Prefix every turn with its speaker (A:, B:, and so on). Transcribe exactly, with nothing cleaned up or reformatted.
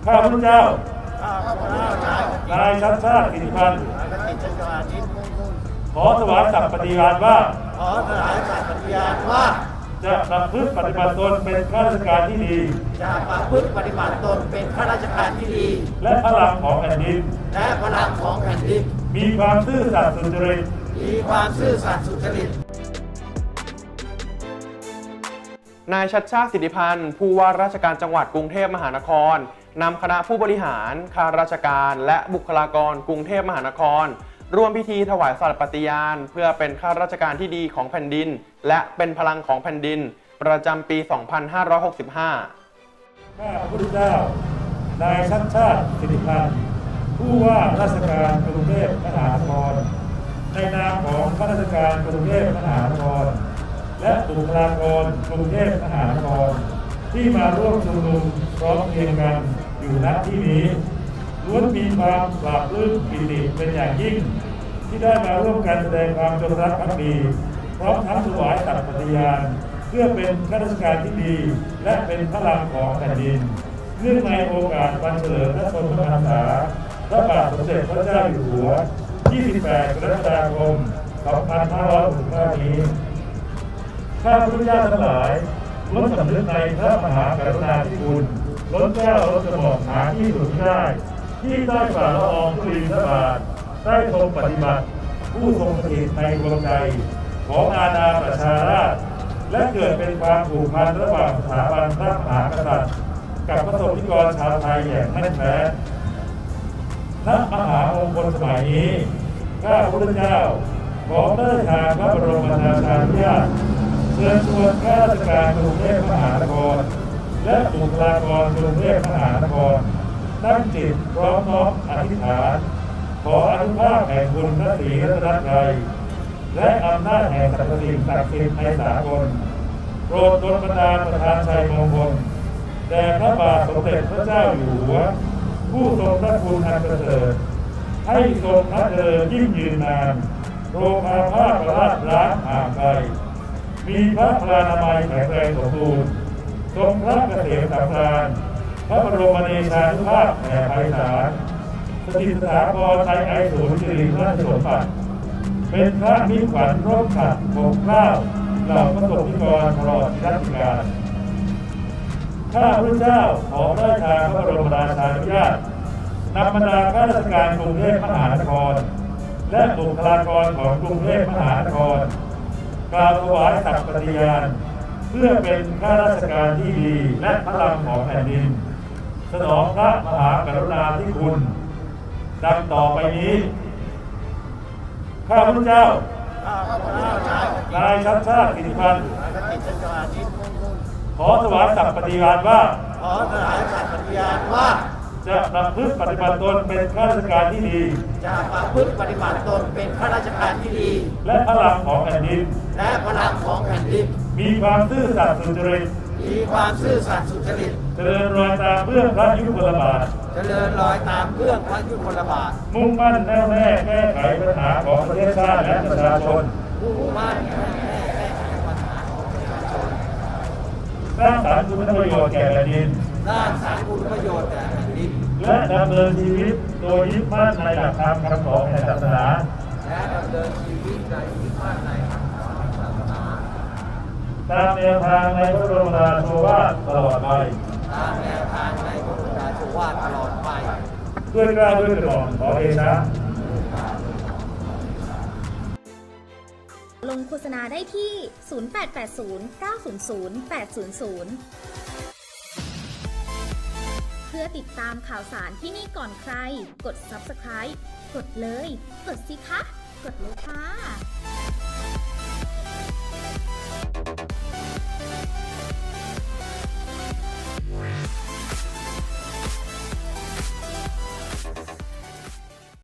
A: ข้าพเจ้า
B: ข้าพเจ้าน
A: ายชัดชาติสิริพันธ์ขอถวายสัตย์ปฏิญาณว่า
B: ขอถวายสัตย์ปฏิญาณว่า
A: จะประพฤติปฏิบัติตนเป็นข้าราชการที่ดี
B: จะประพฤติปฏิบัติตนเป็นข้าราชการที่ดี
A: และพลังของแผ่นดิน
B: และพลังของแผ่นดิน
A: มีความซื่อสัตย์สุจริต
B: มีความซื่อสัตย์สุจริต
C: นายชัดชาติสิทธิพันธ์ผู้ว่าราชการจังหวัดกรุงเทพมหานครนำคณะผู้บริหารข้าราชการและบุคลากรกรุงเทพมหานครร่วมพิธีถวายสัตย์ปฏิญาณเพื่อเป็นข้าราชการที่ดีของแผ่นดินและเป็นพลังของแผ่นดินประจำปี สองพันห้าร้อยหกสิบห้า
A: ข้าพระเจ้านายชัดชาติสิทธิพันธ์ผู้ว่าราชการกรุงเทพมหานครในนามของข้าราชการกรุงเทพมหานครและบุคลากรกรุงเทพมหานครที่มาร่วมชุมนุมพร้อมเพรียงกันอยู่ณที่นี้ล้วนมีความปราบปลื้มปิติเป็นอย่างยิ่งที่ได้มาร่วมกันแสดงความจงรักภักดีพร้อมทั้งถวายสัตย์ปฏิญาณเพื่อเป็นข้าราชการที่ดีและเป็นพลังของแผ่นดินเนื่องในโอกาสวันเฉลิมพระชนมพรรษาพระบาทสมเด็จพระเจ้าอยู่หัว ยี่สิบแปด กรกฎาคม สองพันห้าร้อยหกสิบห้า นี้ข้าพเจ้าทั้งหลายล้วนสำนึกในพระมหากรุณาธิคุณล้นแก้วล้นกระหม่อมหาที่สุดไม่ได้ที่ได้ฝ่าละอองธุลีพระบาทได้ทรงปฏิบัติผู้ทรงสถิตในดวงใจของอาณาประชาราษฎร์และเกิดเป็นความผูกพันระหว่างสถาบันพระมหากษัตริย์กับประสบนิกรชาวไทยอย่างแน่นแฟ้นณมหามงคลสมัยนี้ข้าพเจ้าขอพระราชทานพระบรมราชานุญาตเชิญชวนข้าราชการกรุงเทพมหานครและบุคลากรกรุงเทพมหานครตั้งจิตพร้อมน้อมอธิษฐานขออนุภาพแห่งบุญพระศรีรัตนตรัยและอำนาจแห่งสรรพสิ่งศักดิ์สิทธิ์ในสากลโปรดดลบันดาลประทานชัยมงคลแด่พระบาทสมเด็จพระเจ้าอยู่หัวผู้ทรงพระคุณอันประเสริฐให้ทรงพระเจริญยิ่งยืนนานโรคอาพาธประราชร้างห่างไกลมีพระพลานามัยแข็งแรงสมบูรณ์ทรงพระเกษมสำราญพระบรมเดชานุภาพแผ่ไพศาลสถิตสถาพรไทยไอศูนย์สิริราชสมบัติเป็นพระมิตรขวัญร่มขัดปกเกล้าเหล่าพระสงฆ์นิกรตลอดรัชกาลข้าพเจ้าขอได้ทางพระบรมราชานุญาตนำบรรดาข้าราชการกรุงเทพมหานครและบุคลากรของกรุงเทพมหานครกล่าวถวายสัตย์ปฏิญาณเพื่อเป็นข้าราชการที่ดีและพลังของแผ่นดินสนองพระมหากรุณาธิคุณดังต่อไปนี้ข้าพเจ้านายชัดชาติสิทธิพันธ์ขอถวายสัตย์ปฏิญาณว่า
B: ขอถวายสัตย์ปฏิญาณว่า
A: จะประพฤติปฏิบัติตนเป็นข้าราชการที่ดี
B: จะประพฤติปฏิบัติตนเป็นข้าราชการที่ดี
A: และพลังของแผ่นดิน
B: และพลังของแผ่นดิน
A: มีความซื่อสัตย์สุจริต
B: มีความซื่อสัตย์สุจริต
A: เจริญรอยตามเบื้องพระยุคลบาท
B: เจริญรอยตามเบื้องพระยุคลบาท
A: มุ่งมั่นแน่วแน่แก้ไขปัญหาของประเทศชาติและประชาชน
B: มุ่งมั่นแน่วแน่แก้ไขปัญหาของประชาชน
A: สร้างสรรค์คุณประโยชน์แก่แผ่นดิน
B: สร้างสรรค์คุณประโยชน์แก่แผ่นดิน
A: และดำเนินชีวิตโดยยึดมั่นในหลักธรรมคำสอนแห่งศาสนา
B: และดำเนินชีวิตโดยยึดมั่นในคำสอนแห่งศาสนา
A: ตามแนวทางในพระบรมราโชวาทตลอดไป
B: ตามแนวทางในพระบรมราโชวาทตลอดไป
A: ด้วยกล้าด้วยกระหม่อมขอเดชะ
D: ลงโฆษณาได้ที่ ศูนย์ แปด แปด ศูนย์ เก้า ศูนย์ ศูนย์ แปด ศูนย์ ศูนย์ เพื่อติดตามข่าวสารที่นี่ก่อนใคร กด ซับสไครบ์ กดเลย กดสิคะ กดเลยค่ะ